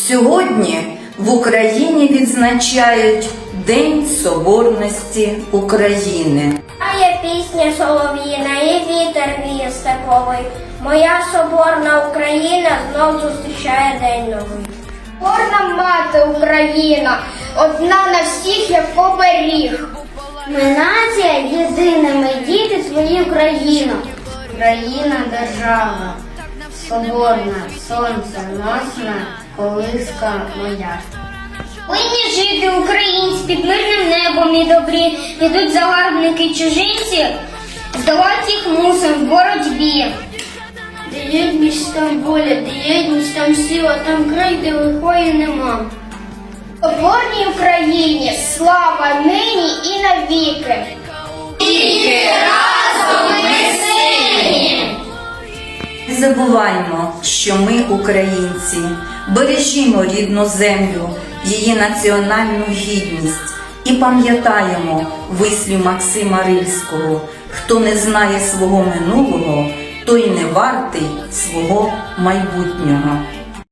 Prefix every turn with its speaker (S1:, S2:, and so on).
S1: Сьогодні в Україні відзначають День Соборності України.
S2: А є пісня солов'їна, і вітер віє степовий. Моя соборна Україна знов зустрічає день новий.
S3: Соборна мати Україна, одна на всіх, як оберіг.
S2: Ми нація єдина, ми діти свої Україна.
S3: Країна держава, соборна, сонценосна, колиска моя.
S2: Повинні жити українці під мирним небом і добрі. Підуть загарбники чужинці, здолати їх мусимо в боротьбі.
S3: Де єдність, там воля, де єдність, там сила, там край, де лихої нема. Соборній Україні слава нині і навіки. Тільки разом ми сильні.
S1: Не забуваймо, що ми українці, бережімо рідну землю, її національну гідність і пам'ятаємо вислів Максима Рильського: хто не знає свого минулого, той не вартий свого майбутнього.